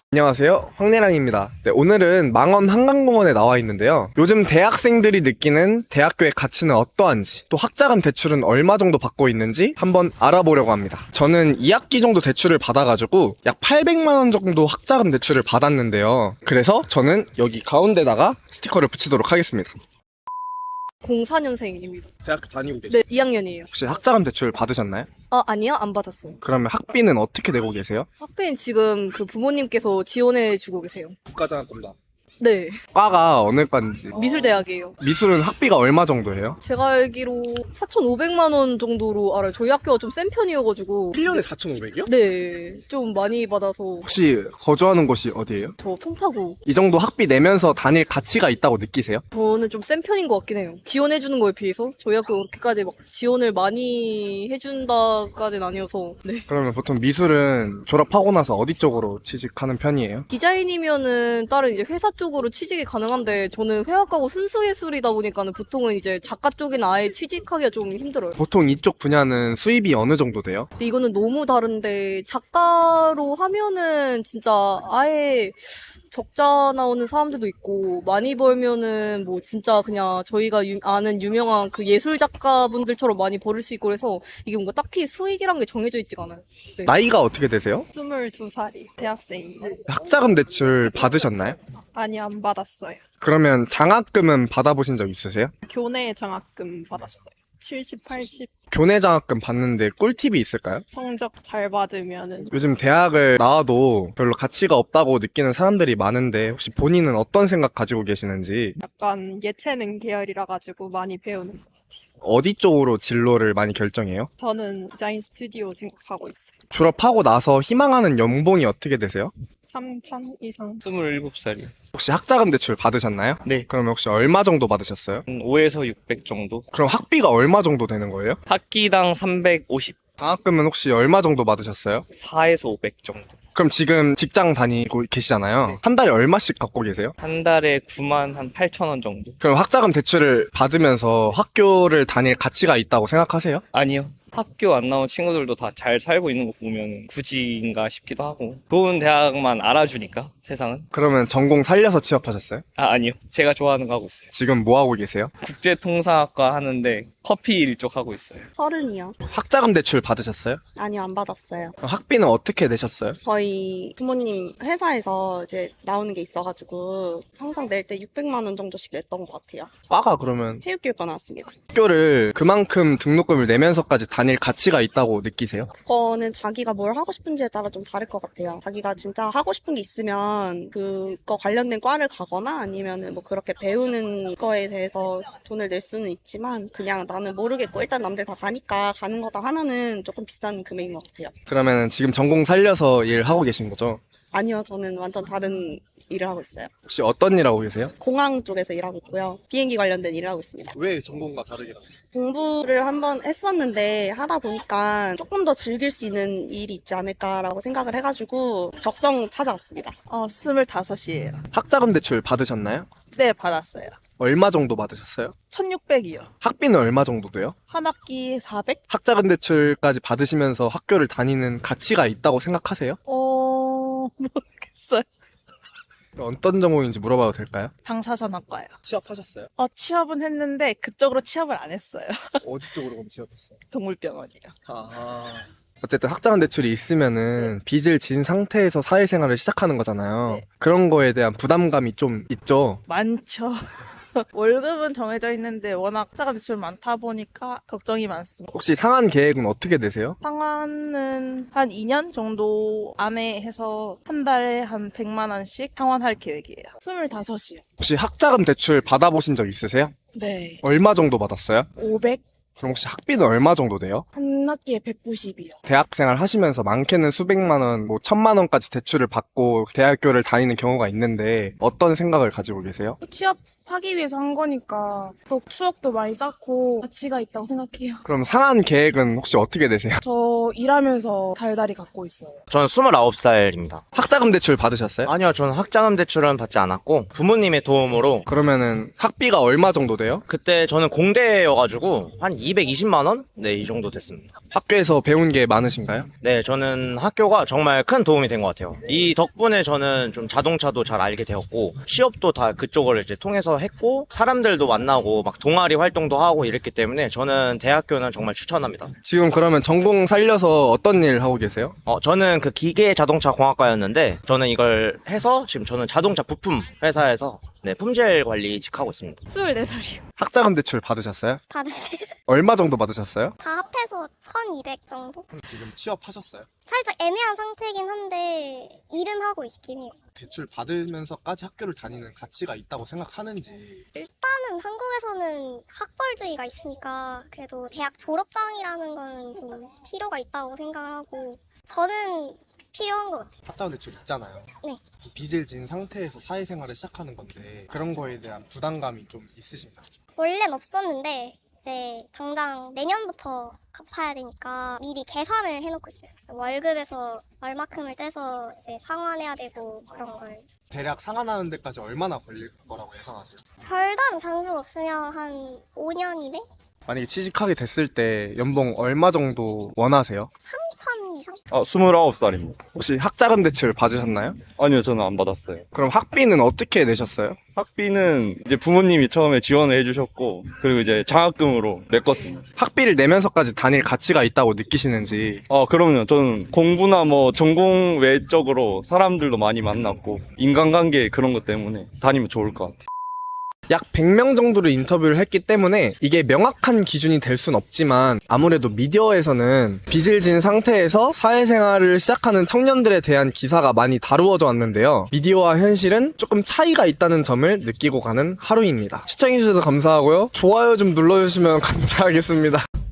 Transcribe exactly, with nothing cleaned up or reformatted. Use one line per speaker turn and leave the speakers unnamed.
안녕하세요, 황래랑입니다. 네, 오늘은 망원 한강공원에 나와 있는데요. 요즘 대학생들이 느끼는 대학교의 가치는 어떠한지, 또 학자금 대출은 얼마 정도 받고 있는지 한번 알아보려고 합니다. 저는 이 학기 정도 대출을 받아가지고 약 팔백만 원 정도 학자금 대출을 받았는데요. 그래서 저는 여기 가운데다가 스티커를 붙이도록 하겠습니다.
공사 년생입니다.
대학교 다니고 계세요?
네, 이 학년이에요.
혹시 학자금 대출 받으셨나요?
아, 아니요, 안 받았어요.
그러면 학비는 어떻게 내고 계세요?
학비는 지금 그 부모님께서 지원해주고 계세요.
국가장학금다.
네,
과가 어느 과인지.
미술대학이에요.
미술은 학비가 얼마 정도 해요?
제가 알기로 사천오백만 원 정도로 알아요. 저희 학교가 좀 센 편이어가지고.
일 년에 사천오백이요?
네, 좀 많이 받아서.
혹시 거주하는 곳이 어디예요?
저 송파구.
이 정도 학비 내면서 다닐 가치가 있다고 느끼세요?
저는 좀 센 편인 것 같긴 해요. 지원해주는 거에 비해서 저희 학교 그렇게까지 막 지원을 많이 해준다까지는 아니어서. 네.
그러면 보통 미술은 졸업하고 나서 어디 쪽으로 취직하는 편이에요?
디자인이면은 다른 이제 회사 쪽으로 취직이 가능한데 저는 회화과고 순수예술이다 보니까는 보통은 이제 작가 쪽이나 아예 취직하기가 좀 힘들어요.
보통 이쪽 분야는 수입이 어느 정도 돼요?
근데 이거는 너무 다른데 작가로 하면은 진짜 아예 적자 나오는 사람들도 있고 많이 벌면은 뭐 진짜 그냥 저희가 유- 아는 유명한 그 예술 작가분들처럼 많이 벌을 수 있고 그래서 이게 뭔가 딱히 수익이란 게 정해져 있지가 않아요. 네.
나이가 어떻게 되세요?
스물두 살이 대학생이에요.
학자금 대출 받으셨나요?
아니, 안 받았어요.
그러면 장학금은 받아보신 적 있으세요?
교내 장학금 받았어요. 칠십, 팔십
교내 장학금 받는데 꿀팁이 있을까요?
성적 잘 받으면은
요즘 대학을 나와도 별로 가치가 없다고 느끼는 사람들이 많은데 혹시 본인은 어떤 생각 가지고 계시는지,
약간 예체능 계열이라 가지고 많이 배우는 것 같아요.
어디 쪽으로 진로를 많이 결정해요?
저는 디자인 스튜디오 생각하고 있어요.
졸업하고 나서 희망하는 연봉이 어떻게 되세요?
삼천 이상.
스물일곱 살이요.
혹시 학자금 대출 받으셨나요?
네.
그러면 혹시 얼마 정도 받으셨어요?
오에서 육백 정도.
그럼 학비가 얼마 정도 되는 거예요?
학기당 삼백오십,
장학금은 혹시 얼마 정도 받으셨어요?
사에서 오백 정도.
그럼 지금 직장 다니고 계시잖아요.
네.
한 달에 얼마씩 갖고 계세요?
한 달에 구만 한 팔천 원 정도.
그럼 학자금 대출을 받으면서 학교를 다닐 가치가 있다고 생각하세요?
아니요. 학교 안 나온 친구들도 다 잘 살고 있는 거 보면 굳이인가 싶기도 하고. 좋은 대학만 알아주니까, 세상은.
그러면 전공 살려서 취업하셨어요?
아, 아니요. 제가 좋아하는 거 하고 있어요.
지금 뭐 하고 계세요?
국제통상학과 하는데 커피 일 쪽 하고 있어요.
서른이요.
학자금 대출 받으셨어요?
아니요, 안 받았어요.
그럼 학비는 어떻게 내셨어요?
저희 부모님 회사에서 이제 나오는 게 있어가지고 항상 낼 때 육백만 원 정도씩 냈던 것 같아요.
과가 그러면
체육교육과 나왔습니다.
학교를 그만큼 등록금을 내면서까지 다닐 가치가 있다고 느끼세요?
그거는 자기가 뭘 하고 싶은지에 따라 좀 다를 것 같아요. 자기가 진짜 하고 싶은 게 있으면 그거 관련된 과를 가거나 아니면은 뭐 그렇게 배우는 거에 대해서 돈을 낼 수는 있지만 그냥 나는 모르겠고 일단 남들 다 가니까 가는 거다 하면은 조금 비싼 금액인 것 같아요.
그러면 지금 전공 살려서 일하고 계신 거죠?
아니요, 저는 완전 다른 일을 하고 있어요.
혹시 어떤 일 하고 계세요?
공항 쪽에서 일하고 있고요. 비행기 관련된 일을 하고 있습니다.
왜 전공과 다르게?
공부를 한번 했었는데 하다 보니까 조금 더 즐길 수 있는 일이 있지 않을까라고 생각을 해가지고 적성 찾아왔습니다.
어, 스물다섯이에요.
학자금 대출 받으셨나요?
네, 받았어요.
얼마 정도 받으셨어요?
천육백이요.
학비는 얼마 정도 돼요?
한 학기 사백?
학자금 대출까지 받으시면서 학교를 다니는 가치가 있다고 생각하세요?
어, 모르겠어요.
어떤 전공인지 물어봐도 될까요?
방사선학과요.
취업하셨어요?
어, 취업은 했는데 그쪽으로 취업을 안 했어요.
어디 쪽으로 그럼 취업했어요?
동물병원이요.
아. 어쨌든 학자금 대출이 있으면은 빚을 진 상태에서 사회생활을 시작하는 거잖아요.
네.
그런 거에 대한 부담감이 좀 있죠.
많죠. 월급은 정해져 있는데 워낙 자가 대출 많다 보니까 걱정이 많습니다.
혹시 상한 계획은 어떻게 되세요?
상환은 한 이 년 정도 안에 해서 한 달에 한 백만 원씩 상환할 계획이에요.
스물다섯이요.
혹시 학자금 대출 받아보신 적 있으세요?
네.
얼마 정도 받았어요?
오백?
그럼 혹시 학비는 얼마 정도 돼요?
한 학기에 백구십이요.
대학생활 하시면서 많게는 수백만 원, 뭐 천만 원까지 대출을 받고 대학교를 다니는 경우가 있는데 어떤 생각을 가지고 계세요?
취업
하기 위해서 한 거니까 또 추억도 많이 쌓고 가치가 있다고 생각해요.
그럼 상한 계획은 혹시 어떻게 되세요?
저 일하면서 달달이 갖고 있어요.
저는 스물아홉 살입니다.
학자금 대출 받으셨어요?
아니요, 저는 학자금 대출은 받지 않았고 부모님의 도움으로
그러면은 학비가 얼마 정도 돼요?
그때 저는 공대여가지고 한 이백이십만 원? 네, 이 정도 됐습니다.
학교에서 배운 게 많으신가요?
네, 저는 학교가 정말 큰 도움이 된 것 같아요. 이 덕분에 저는 좀 자동차도 잘 알게 되었고 취업도 다 그쪽을 이제 통해서 했고 사람들도 만나고 막 동아리 활동도 하고 이랬기 때문에 저는 대학교는 정말 추천합니다.
지금 그러면 전공 살려서 어떤 일 하고 계세요?
어, 저는 그 기계 자동차 공학과였는데 저는 이걸 해서 지금 저는 자동차 부품 회사에서 네, 품질 관리직 하고 있습니다.
스물네 살이요.
학자금 대출 받으셨어요?
받았어요.
얼마 정도 받으셨어요?
다 합해서 천이백 정도?
그럼 지금 취업하셨어요?
살짝 애매한 상태이긴 한데 일은 하고 있긴 해요.
대출 받으면서까지 학교를 다니는 가치가 있다고 생각하는지.
일단은 한국에서는 학벌주의가 있으니까 그래도 대학 졸업장이라는 거는 좀 필요가 있다고 생각을 하고 저는 필요한 것 같아요.
학자금 대출 있잖아요.
네.
빚을 진 상태에서 사회생활을 시작하는 건데 그런 거에 대한 부담감이 좀 있으신가요?
원래는 없었는데 이제 당장 내년부터 갚아야 되니까 미리 계산을 해놓고 있어요. 월급에서 얼마큼을 떼서 이제 상환해야 되고 그런 걸.
대략 상환하는 데까지 얼마나 걸릴 거라고 예상하세요?
별다른 변수 없으면 한 오 년 이내?
만약에 취직하게 됐을 때 연봉 얼마 정도 원하세요?
삼천 이상?
아, 스물아홉 살입니다.
혹시 학자금 대출 받으셨나요?
아니요, 저는 안 받았어요.
그럼 학비는 어떻게 내셨어요?
학비는 이제 부모님이 처음에 지원을 해주셨고, 그리고 이제 장학금으로 메꿨습니다.
학비를 내면서까지 다닐 가치가 있다고 느끼시는지.
아, 그럼요. 저는 공부나 뭐 전공 외적으로 사람들도 많이 만났고, 인간관계 그런 것 때문에 다니면 좋을 것 같아요.
약 백 명 정도를 인터뷰를 했기 때문에 이게 명확한 기준이 될 순 없지만 아무래도 미디어에서는 빚을 진 상태에서 사회생활을 시작하는 청년들에 대한 기사가 많이 다루어져 왔는데요. 미디어와 현실은 조금 차이가 있다는 점을 느끼고 가는 하루입니다. 시청해주셔서 감사하고요. 좋아요 좀 눌러주시면 감사하겠습니다.